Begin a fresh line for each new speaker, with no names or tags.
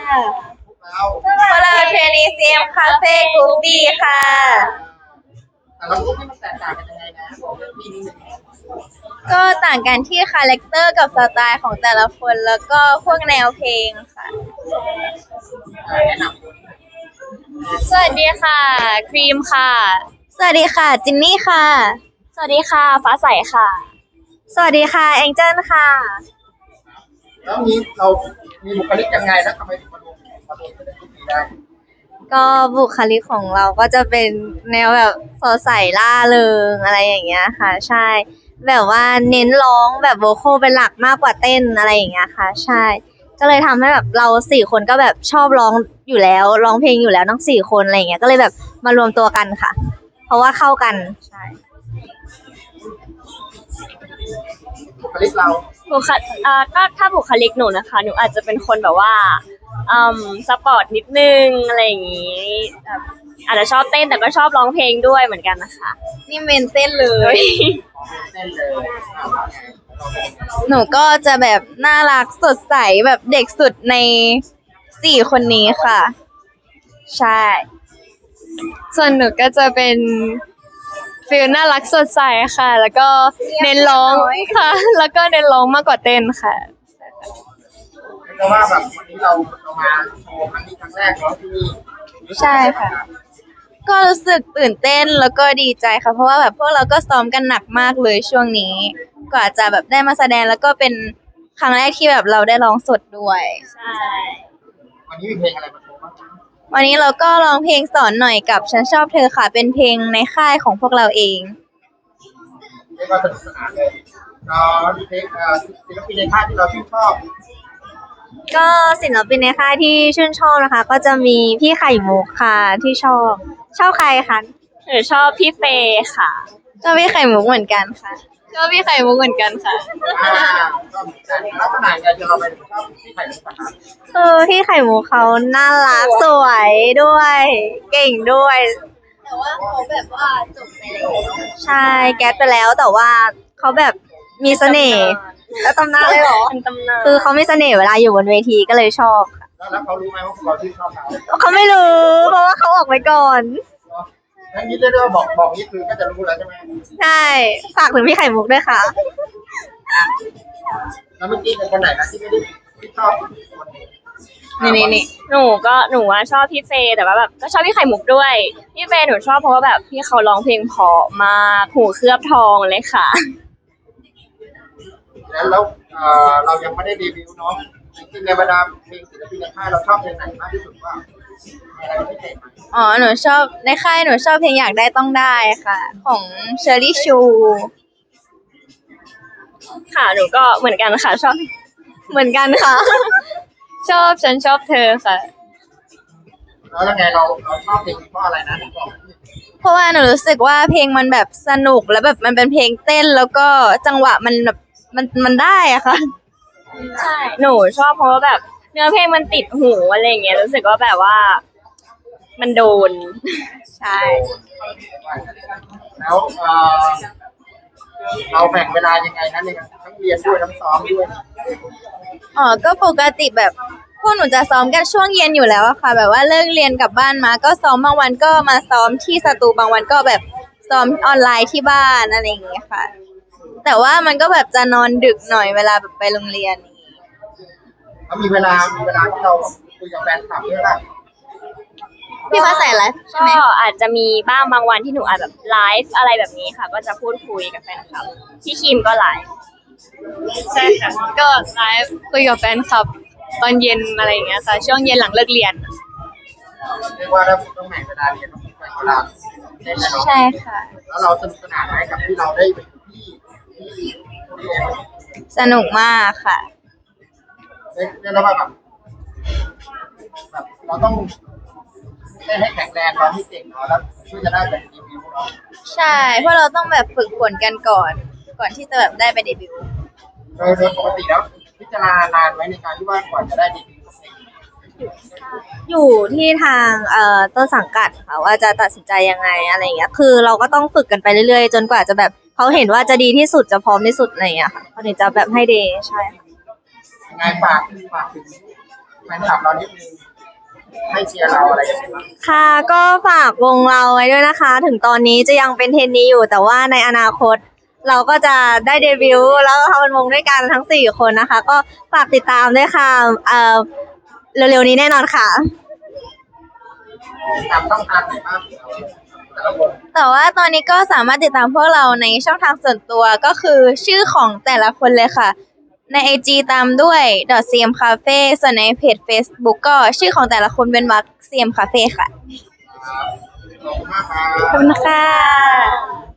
เรา
พวกเราเทรนนีซีเอ็มคาเฟ่กรุ๊ปบีค่ะ
แต่ละกลุ่มนี่มันแตกต่างกันยังไงนะบอกเรื่องนี้นิดนึง
ก็ต่างกันที่คาแรคเตอร์กับสไตล์ของแต่ละคนแล้วก็พวกแนวเพลงค่ะ
แนะน
สวัสดีค่ะครีมค่ะ
สวัสดีค่ะจินนี่ค่ะ
สวัสดีค่ะฟ้าใสค่ะ
สวัสดีค่ะแองเจิลค่ะ
ำแล้วนี้เรามีบุคลิกยังไงแล้วทำไมถึงมาลงเป็นกลุ่มนี้ได้
ก็บุคลิกของเราก็จะเป็นแนวแบบสดใสล่าเริงอะไรอย่างเงี้ยค่ะใช่แบบว่าเน้นร้องแบบโวคอลเป็นหลักมากกว่าเต้นอะไรอย่างเงี้ยค่ะใช่ก็เลยทำให้แบบเราสี่คนก็แบบชอบร้องอยู่แล้วร้องเพลงอยู่แล้วทั้งสี่คนอะไรอย่างเงี้ยก็เลยแบบมารวมตัวกันค่ะ เพราะว่าเข้ากันใช่
บุคลิกเรา
บุคก็ถ้าบุคลิกหนูนะคะหนูอาจจะเป็นคนแบบว่าสปอร์ตนิดนึงอะไรอย่างงี้แบบอาจจะชอบเต้นแต่ก็ชอบร้องเพลงด้วยเหมือนกันนะคะ
นี่เมนเต้นเลย
เต้นเลย
หนูก็จะแบบน่ารักสดใสแบบเด็กสุดในสี่คนนี้ค่ะ ใช่
ส่วนหนูก็จะเป็นฟีลน่ารักสดใสค่ะ แล้วก็เน้นร้องค่ะ แล้วก็เน้นร้องมากกว่าเต้นค่ะ
เพราะว่าแบบวันนี้เรามาโชว์ครั้งนี้ครั้งแรกเนาะที่นี่
ใช่ค่ะ ก็รู้สึกตื่นเต้นแล้วก็ดีใจค่ะ เพราะว่าแบบพวกเราก็ซ้อมกันหนักมากเลยช่วงนี้กว่าจะแบบได้มาแสดงแล้วก็เป็นครั้งแรกที่แบบเราได้ร้องสดด้วย
ใช่
วันนี้มีเพลงอะไรมาโชว์บ้าง
วันนี้เราก็ร้องเพลงสอนหน่อยกับฉันชอบเธอค่ะเป็นเพลงในค่ายของพวกเราเอง
เรียกว่าสนุกสนานเลยเพลงศิลปินในค่ายที่เราชื่นชอบ
ก็ศิลปินในค่ายที่ชื่นชอบนะคะก็จะมีพี่ไข่มุกค่ะที่ชอบใครคะ
หนูชอบพี่เฟย์ค่ะ
ชอบพี่ไข่มุกเหมือนกันค่ะ
ชอบพี่ไข่มุกเหมือนกันค่ะ
ก็เหมือนกันลักษณะการที่เราไปชอบที่ไข่มุกนะคะ
คือพี่ไข่มุกเขาน่ารักสวยด้วยเก่งด้วยแต่ว่าเขาแบบว่าจบไปแล้วใช่แก๊สไปแล้วแต่ว่าเขาแบบมีเสน่ห์แล้วตำนานเลยเหรอ
เป็นตำนาน
คือเขามีเสน่ห์เวลาอยู่บนเวทีก็เลยชอบค่ะ
แล้วเขารู้ไหมว่าพวกเราชื่นชอบเขา
เขาไม่รู้เพราะว่าเขาออกไปก่อน
งั้นนี่เรียกว่าบอกนี่คือก็จะรู้แล้วใช่ไหม
ใช่ฝากถึงพี่ไข่มุกด้วยค่ะ
แล้วเมื่อกี้เป็นคนไหนนะที่ไม่ได้ที่ชอบ
นี่
หนูว่าชอบพี่เฟย์แต่ว่าแบบก็ชอบพี่ไข่มุกด้วยพี่เฟย์หนูชอบเพราะว่าแบบพี่เขาร้องเพลงเพราะมากหูเคลือบทองเลยค่ะ
แล้วเรายังไม่ได้เดบิวต์เนาะจริงๆในบรรดาเพลงศิลปินในค่ายเราชอบเพลงไหนมากที่สุดว่าอะไรพิเศษไหม
อ๋อหนูชอบในค่ายหนูชอบเพลงอยากได้ต้องได้ค่ะของเชอรี่ชู
ค่ะหนูก็เหมือนกันค่ะชอบ
เหมือนกันค่ะ
ฉันชอบเธอค่ะ
แล้วยังไงเราชอบเพลงเพราะอะไรนะบอก
เพราะว่าหนูรู้สึกว่าเพลงมันแบบสนุกแล้วแบบมันเป็นเพลงเต้นแล้วก็จังหวะมันแบบมันได้อะค่ะ
ใช่หนูชอบเพราะว่าแบบเนื้อเพลงมันติดหูอะไรอย่างเงี้ยรู้สึกว่าแบบว่ามันโดน
ใช่
แล้วเราแบ่งเวลายังไงนะในการทั้งเรียนด้วยทั้งซ้อมด้วย
อ๋อก็ปกติแบบพวกหนูจะซ้อมกันช่วงเย็นอยู่แล้วอะค่ะแบบว่าเลิกเรียนกลับบ้านมาก็ซ้อมบางวันก็มาซ้อมที่สตูบางวันก็แบบซ้อมออนไลน์ที่บ้านอะไรอย่างเงี้ยค่ะแต่ว่ามันก็แบบจะนอนดึกหน่อยเวลาแบบไปโรงเรียน
แล้วมีเวลาที่เราคุยกับแฟนคลับด้วยล่ะ
พี่ฟ้าใสไลฟ์ใช่ไหม
ก็อาจจะมีบ้างบางวันที่หนูอาจแบบไลฟ์อะไรแบบนี้ค่ะก็จะพูดคุยกับแฟนคลับพี่คิมก็ไลฟ์
ใช่ค่ะก็ไลฟ์คุยกับแฟนคลับตอนเย็นอะไรอย่างเงี้ยค่ะช่วงเย็นหลังเลิกเรียน
เรียกว่าถ้าต้องแบ่งเวลาเรียนต้องแบ่งเวลาเล่นแล้ว
ใช่ค่ะ
แล้วเราสนุกสนานไหมกับที่เราได้ไปอยู่ที่
สนุกมากค่ะ
เรียกว่าแบบเราต้องเล่นให้แข็งแรงเราให้เก่งเนาะแล้วเพื่อจะได้แบบรีวิวเนาะ
ใช่เพราะเราต้องแบบฝึกฝนกันก่อนที่จะแบบได้ไปเดบิวต์
โดยปกติแล้วพิจารณานานไหมในการที่ว่าก่อนจะได้เดบิวต์
อยู่ที่ทางต้นสังกัดค่ะว่าจะตัดสินใจยังไงอะไรอย่างเงี้ยคือเราก็ต้องฝึกกันไปเรื่อยๆจนกว่าจะแบบเขาเห็นว่าจะดีที่สุดจะพร้อมที่สุดอะไรอย่างเงี้ยค่ะเขาถึงจะแบบให้เดย์ใช่ค่ะ
ยังไงฝากถึงแฟนคลับเรานิดนึงให้เชียร์เราอะไรอย่างเงี้ยบ้าง
ค่ะก็ฝากวงเราไว้ด้วยนะคะ ถึงตอนนี้จะยังเป็นเทรนนีอยู่ แต่ว่าในอนาคต เราก็จะได้เดบิวต์แล้วก็ทำเป็นวงด้วยกันทั้ง4 คนนะคะ ก็ฝากติดตามด้วยค่ะเร็วๆนี้แน่นอนค่ะ
ตามต้องทางไหนบ้างแต่ละคน
แต่ว่าตอนนี้ก็สามารถติดตามพวกเราในช่องทางส่วนตัวก็คือชื่อของแต่ละคนเลยค่ะ ใน IG ตามด้วย .cm cafe ส่วนในเพจ Facebook ก็ชื่อของแต่ละคนเป็นวรรค cm cafe ค่ะ
ขอบคุณมากครับ
ขอบคุณค่ะ